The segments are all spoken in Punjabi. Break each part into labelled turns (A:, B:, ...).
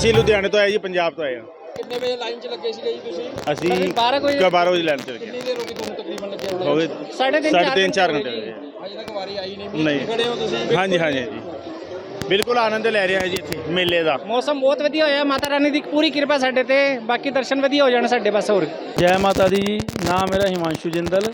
A: ਅਸੀਂ ਲੁਧਿਆਣੇ ਤੋਂ ਆਏ ਜੀ, ਪੰਜਾਬ ਤੋਂ ਆਏ ਹਾਂ।
B: ਕਿੰਨੇ ਵਜੇ ਲਾਈਨ 'ਚ ਲੱਗੇ ਸੀਗੇ ਜੀ ਤੁਸੀਂ?
A: ਅਸੀਂ 12 ਵਜੇ ਲਾਈਨ 'ਚ ਲੱਗੇ।
B: ਕਿੰਨੀ ਦੇਰ ਹੋ ਗਈ ਤੁਹਾਨੂੰ ਤਕਰੀਬਨ ਲੱਗੇ ਹੋਣੇ?
A: ਹੋ ਗਏ 3.5-4 ਘੰਟੇ ਹੋ ਗਏ।
B: ਅਜੇ ਤੱਕ ਵਾਰੀ ਆਈ ਨਹੀਂ।
A: ਨਹੀਂ।
B: ਖੜੇ ਹੋ ਤੁਸੀਂ?
A: ਹਾਂਜੀ ਹਾਂਜੀ ਹਾਂਜੀ, ਬਿਲਕੁਲ ਆਨੰਦ ਲੈ ਰਿਹਾ ਜੀ ਇੱਥੇ ਮੇਲੇ ਦਾ।
C: ਮੌਸਮ ਬਹੁਤ ਵਧੀਆ ਹੋਇਆ, ਮਾਤਾ ਰਾਣੀ ਦੀ ਪੂਰੀ ਕਿਰਪਾ ਸਾਡੇ ਤੇ, ਬਾਕੀ ਦਰਸ਼ਨ ਵਧੀਆ ਹੋ ਜਾਣ ਸਾਡੇ ਬਸ। ਹੋਰ
D: ਜੈ ਮਾਤਾ ਦੀ ਜੀ। ਨਾਮ ਮੇਰਾ ਹਿਮਾਂਸ਼ੂ ਜਿੰਦਲ।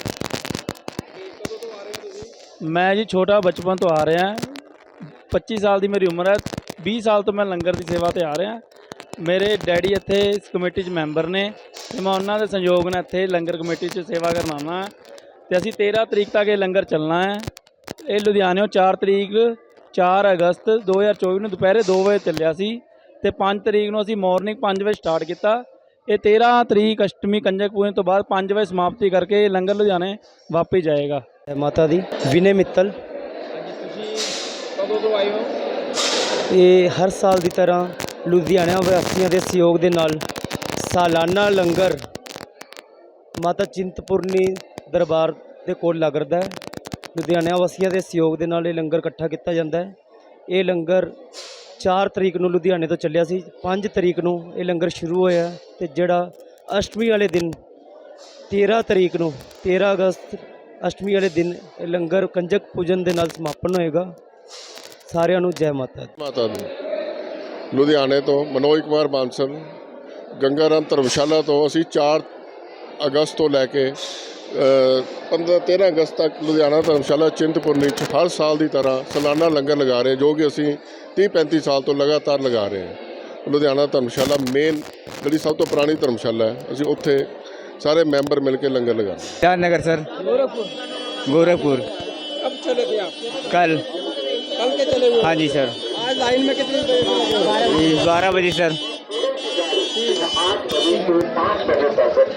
D: ਮੈਂ ਜੀ ਛੋਟਾ ਬਚਪਨ ਤੋਂ ਆ ਰਿਹਾ। 25 ਸਾਲ ਦੀ ਮੇਰੀ ਉਮਰ ਹੈ। 20 ਸਾਲ ਤੋਂ ਮੈਂ ਲੰਗਰ ਦੀ ਸੇਵਾ ਤੇ ਆ ਰਿਹਾ। ਮੇਰੇ ਡੈਡੀ ਇੱਥੇ ਇਸ ਕਮੇਟੀ 'ਚ ਮੈਂਬਰ ਨੇ ਅਤੇ ਮੈਂ ਉਹਨਾਂ ਦੇ ਸੰਯੋਗ ਨਾਲ ਇੱਥੇ ਲੰਗਰ ਕਮੇਟੀ 'ਚ ਸੇਵਾ ਕਰਨ ਆਉਣਾ। ਅਤੇ ਅਸੀਂ 13 ਤਰੀਕ ਤੱਕ ਇਹ ਲੰਗਰ ਚੱਲਣਾ ਹੈ। ਇਹ ਲੁਧਿਆਣਿਓਂ 4 ਅਗਸਤ 2024 ਨੂੰ ਦੁਪਹਿਰੇ 2 ਵਜੇ ਚੱਲਿਆ ਸੀ ਅਤੇ 5 ਤਰੀਕ ਨੂੰ ਅਸੀਂ ਮੋਰਨਿੰਗ 5 ਵਜੇ ਸਟਾਰਟ ਕੀਤਾ। ਇਹ 13 ਤਰੀਕ ਅਸ਼ਟਮੀ ਕੰਜਕ ਪੂਜਨ ਤੋਂ ਬਾਅਦ 5 ਵਜੇ ਸਮਾਪਤੀ ਕਰਕੇ ਇਹ ਲੰਗਰ ਲੁਧਿਆਣੇ ਵਾਪਸ ਜਾਏਗਾ।
E: ਮਾਤਾ ਦੀ ਵਿਨੇ ਮਿੱਤਲ।
B: ਤੁਸੀਂ ਕਦੋਂ ਤੋਂ ਆਏ ਹੋ?
E: ਇਹ ਹਰ ਸਾਲ ਦੀ ਤਰ੍ਹਾਂ ਲੁਧਿਆਣਾ ਵਾਸੀਆਂ ਦੇ ਸਹਿਯੋਗ ਦੇ ਨਾਲ ਸਾਲਾਨਾ ਲੰਗਰ ਮਾਤਾ ਚਿੰਤਪੁਰਨੀ ਦਰਬਾਰ ਦੇ ਕੋਲ ਲੱਗਦਾ ਹੈ। ਲੁਧਿਆਣਾ ਵਾਸੀਆਂ ਦੇ ਸਹਿਯੋਗ ਦੇ ਨਾਲ ਇਹ ਲੰਗਰ ਇਕੱਠਾ ਕੀਤਾ ਜਾਂਦਾ ਹੈ। ਇਹ ਲੰਗਰ 4 ਤਰੀਕ ਨੂੰ ਲੁਧਿਆਣੇ ਤੋਂ ਚੱਲਿਆ ਸੀ। 5 ਤਰੀਕ ਨੂੰ ਇਹ ਲੰਗਰ ਸ਼ੁਰੂ ਹੋਇਆ ਅਤੇ ਜਿਹੜਾ ਅਸ਼ਟਮੀ ਵਾਲੇ ਦਿਨ 13 ਤਰੀਕ ਨੂੰ 13 ਅਗਸਤ ਅਸ਼ਟਮੀ ਵਾਲੇ ਦਿਨ ਇਹ ਲੰਗਰ ਕੰਜਕ ਪੂਜਨ ਦੇ ਨਾਲ ਸਮਾਪਨ ਹੋਏਗਾ। ਸਾਰਿਆਂ ਨੂੰ ਜੈ ਮਾਤਾ ਦੀ।
F: ਮਾਤਾ ਦੀ ਲੁਧਿਆਣੇ ਤੋਂ ਮਨੋਜ ਕੁਮਾਰ ਬਾਂਸਲ, ਗੰਗਾ ਰਾਮ ਧਰਮਸ਼ਾਲਾ ਤੋਂ। ਅਸੀਂ 4 ਅਗਸਤ ਤੋਂ ਲੈ ਕੇ 13 ਅਗਸਤ ਤੱਕ ਲੁਧਿਆਣਾ ਧਰਮਸ਼ਾਲਾ ਚਿੰਤਪੁਰਨੀ 'ਚ ਹਰ ਸਾਲ ਦੀ ਤਰ੍ਹਾਂ ਸਾਲਾਨਾ ਲੰਗਰ ਲਗਾ ਰਹੇ, ਜੋ ਕਿ ਅਸੀਂ 30-35 ਸਾਲ ਤੋਂ ਲਗਾਤਾਰ ਲਗਾ ਰਹੇ ਹਾਂ। ਲੁਧਿਆਣਾ ਧਰਮਸ਼ਾਲਾ ਮੇਨ ਜਿਹੜੀ ਸਭ ਤੋਂ ਪੁਰਾਣੀ ਧਰਮਸ਼ਾਲਾ ਹੈ, ਅਸੀਂ ਉੱਥੇ ਸਾਰੇ ਮੈਂਬਰ ਮਿਲ ਕੇ लंगर लगा।
E: क्या नगर सर? गोरखपुर।
B: कब चले थे आप?
E: कल
B: के चले हुए?
E: हाँ जी सर।
B: आज लाइन में कितनी देर लगे?
E: 12 बजे सर।